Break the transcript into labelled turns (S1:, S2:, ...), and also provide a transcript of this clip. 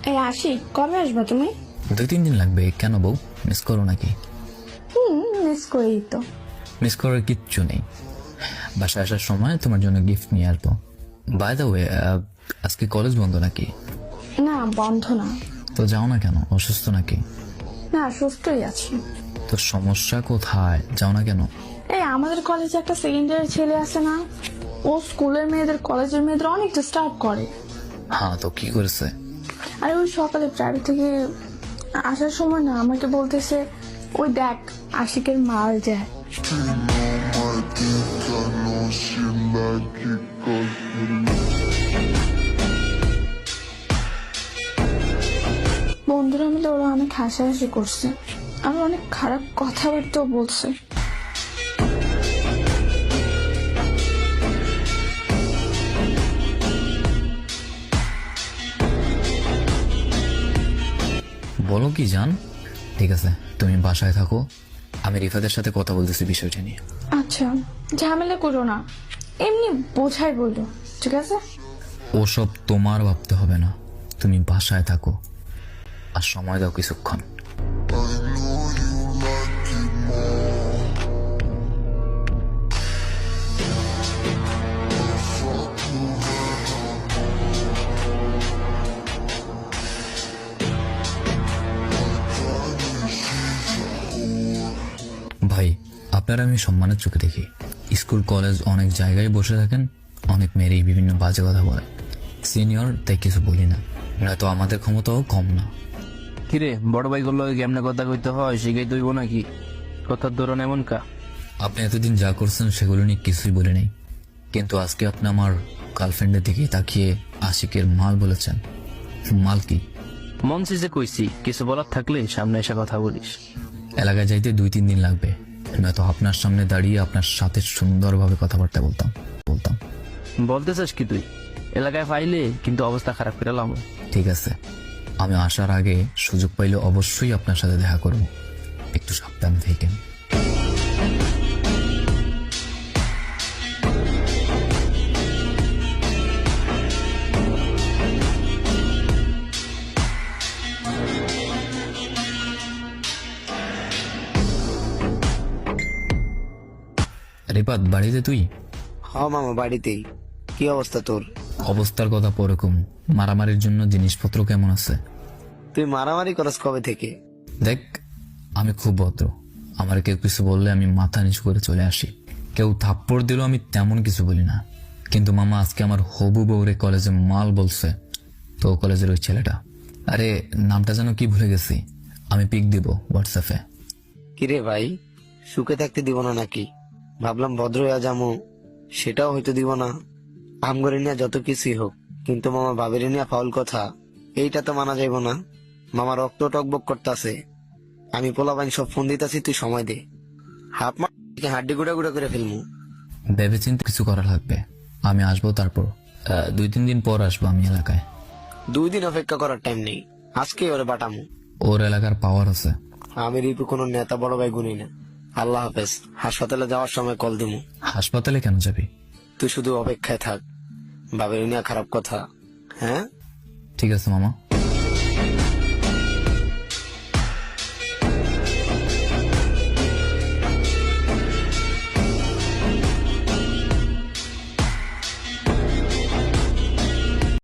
S1: এই আশিক, কবে আসবে তুমি?
S2: 2-3 দিন লাগবে। কেন বউ, মিস করো নাকি?
S1: মিস করি তো।
S2: মিস করার কিচ্ছু নেই। বাসায় আসার সময় তোমার জন্য গিফট নিয়ে আসবো। বাই দ্য ওয়ে, আজকে কলেজ বন্ধ নাকি?
S1: না, বন্ধ না।
S2: তো যাও না কেন? অসুস্থ নাকি?
S1: না, সুস্থই আছি।
S2: তো সমস্যা কোথায়? যাও না কেন?
S1: এই আমাদের কলেজে একটা সেকেন্ড ইয়ারের ছেলে আছে না, ও স্কুলের মেয়েদের কলেজের মেয়েদের অনেক ডিস্টার্ব করে।
S2: হ্যাঁ, তো কি করেছে?
S1: আর ওই সকালে প্রাইভেট থেকে আসার সময় না আমাকে বলতেছে, ওই দেখ আশিকের মাল যায়। বন্ধুরা মিলে ওরা অনেক হাসাহাসি করছে, আর অনেক খারাপ কথাবার্তাও বলছে।
S2: বলো কি জান? ঠিক আছে, তুমি বাসায় থাকো, আমি রিফাতের সাথে কথা বলতেছি বিষয়টা নিয়ে।
S1: আচ্ছা, ঝামেলা করো না, এমনি বোঝাই বললো, ঠিক আছে?
S2: ওসব তোমার ভাবতে হবে না, তুমি বাসায় থাকো আর সময় দাও কিছুক্ষণ। ভাই, আপনারা আমি সম্মানের চোখে দেখি। স্কুল কলেজ অনেক জায়গায় বসে থাকেন, অনেক মেয়েরই বিভিন্ন বাজে কথা বলে। সিনিয়র তাই কিছু বলি না, নয়তো আমাদের ক্ষমতাও কম না।
S3: কিরে, বড় ভাই গুলো কেমনে কথা কইতে হয় শিখাই দইব নাকি? কথার ধরন এমন কা?
S2: আপনি এতদিন যা করছেন সেগুলো নিয়ে কিছুই বলে নেই, কিন্তু আজকে আপনি আমার গার্লফ্রেন্ডের দিকে তাকিয়ে আশিকের মাল বলেছেন। মাল কি?
S3: মন যে কইছি, কিছু বলার থাকলে সামনে এসে কথা বলিস।
S2: এলাকায় যাইতে 2-3 দিন লাগবে, নয়তো আপনার সামনে দাঁড়িয়ে আপনার সাথে সুন্দরভাবে কথাবার্তা বলতাম।
S3: বলতে চাস কি তুই? এলাকায় পাইলে কিন্তু অবস্থা খারাপ করে লাম।
S2: ঠিক আছে, আমি আসার আগে সুযোগ পাইলে অবশ্যই আপনার সাথে দেখা করব, একটু সাবধানে থাকেন। রিপাত, বাড়িতে তুই?
S4: হ্যাঁ মামা, বাড়িতেই। কি অবস্থা তোর?
S2: অবস্থার কথা পরে কম, মারামারির জন্য জিনিসপত্র কেমন আছে?
S4: তুই মারামারি করস কবে থেকে?
S2: দেখ, আমি খুব ভদ্র, আমার কেউ কিছু বললে আমি মাথা নিচু করে চলে আসি। কেউ থাপ্পড় দিলেও আমি তেমন কিছু বলি না। কিন্তু মামা, আজকে আমার হবু বউরে কলেজে মাল বলছে, তো কলেজের ওই ছেলেটা, আরে নামটা যেন কি ভুলে গেছি, আমি পিক দিব হোয়াটসঅ্যাপে।
S4: কিরে ভাই, সুখে থাকতে দিব না নাকি? ভাবলাম ভদ্র হইয়া যামু, সেটাও হয়তো দিব না। আমগরে নিয়ে যত কিছুই হোক, কিন্তু মামা ভাবের নিয়ে ফাউল কথা, এইটা তো মানা যাইব না। মামা রক্ত টকবক করতেছে, আমি পোলাপাইন সব ফোন দিতেছি, তুই সময় দে। হাফ মা হাড্ডি গুড়া গুড়া করে ফেলমু।
S2: ভেবেচিন্তে কিছু করা লাগবে, আমি আসবো, তারপর 2-3 দিন পর আসবো আমি এলাকায়।
S4: 2 দিন অপেক্ষা করার টাইম নেই, আজকে ওরে বাটামু।
S2: ওর এলাকার পাওয়ার আছে।
S4: আমি রিপু কোনো নেতা বড় ভাই গুনি না। আল্লাহ হাফেজ। হাসপাতালে যাওয়ার সময় কল দিমু।
S2: হাসপাতালে কেন যাবি?
S4: তুই শুধু অপেক্ষায় থাক, ভাবের নিয়ে খারাপ কথা। হ্যাঁ,
S2: ঠিক আছে মামা।